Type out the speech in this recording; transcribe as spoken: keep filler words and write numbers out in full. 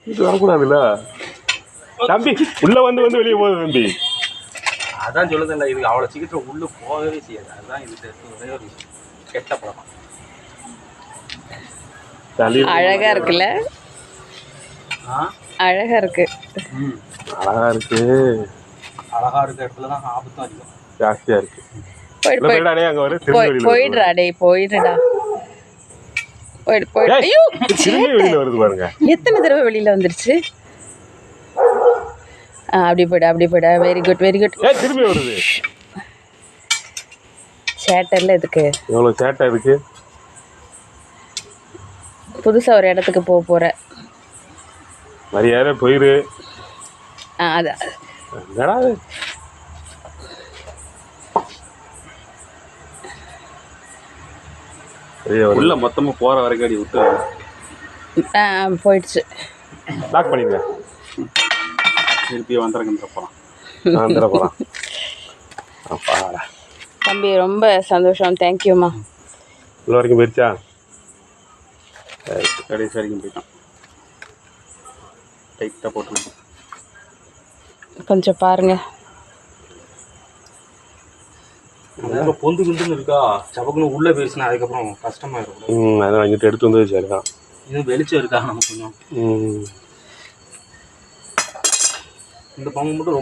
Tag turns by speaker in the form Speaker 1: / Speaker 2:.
Speaker 1: இது வரக்கூடாதுல்ல தம்பி. உள்ள வந்து வந்து வெளியே போகுது தம்பி.
Speaker 2: அதான் சொல்லுதில்ல, இது அவ்வளோ சீக்கிரம் உள்ளே போகவே செய்யாது. அதுதான் இது ஒரே ஒரு விஷயம், கெட்ட பழக்கம்.
Speaker 3: அழகா இருக்குல்ல? அழகா இருக்கு.
Speaker 2: ம்
Speaker 1: அழகா இருக்கு.
Speaker 2: அழகா இருக்க இடத்துல தான் ஆபத்தும் அதிகம்
Speaker 1: ஜாஸ்தியா இருக்கு.
Speaker 3: போயிடுறா டேய், போயிடுடா. போயிடு போயிடு. ஐயோ,
Speaker 1: வெளியில வருது பாருங்க.
Speaker 3: எத்தனை தடவை வெளியில வந்துருச்சு. அப்படி போயிடு, அப்படி போயிடு. Very good, very good.
Speaker 1: திரும்பி வருது.
Speaker 3: சேட்டர்ல எதுக்கு
Speaker 1: எவ்வளவு சேட்டா இருக்கு.
Speaker 3: புதுசா ஒரு இடத்துக்கு போக போற.
Speaker 1: மரியாதை போயிரு.
Speaker 3: அது
Speaker 1: என்னடா
Speaker 2: உள்ள மொத்தமா போற வரைக்கும் அடி விட்டு
Speaker 3: போயிடுச்சு.
Speaker 1: லாக் பண்ணிடுங்க.
Speaker 2: திருப்பி வந்துடுங்க போகலாம்.
Speaker 1: வந்துட போகலாம். அப்பாடா
Speaker 3: தம்பி, ரொம்ப சந்தோஷம். தேங்க்யூம்மா.
Speaker 1: உள்ள வரைக்கும் போயிடுச்சா?
Speaker 2: கடைசி வரைக்கும் போயிட்டான். டைட்டாக போட்டு
Speaker 3: கொஞ்சம் பாருங்க.
Speaker 2: ரொம்ப பொந்து குண்டுன்னு இருக்கா, சபக்குன்னு உள்ளே போயிடுச்சுன்னா அதுக்கப்புறம் கஷ்டமாயிருக்கும்.
Speaker 1: ம் அதான் அங்கிட்ட எடுத்து வந்து சரிதான்.
Speaker 2: இது வெளிச்சம் இருக்கா நமக்கு கொஞ்சம்.
Speaker 1: ம்
Speaker 2: இந்த பங்கு மட்டும்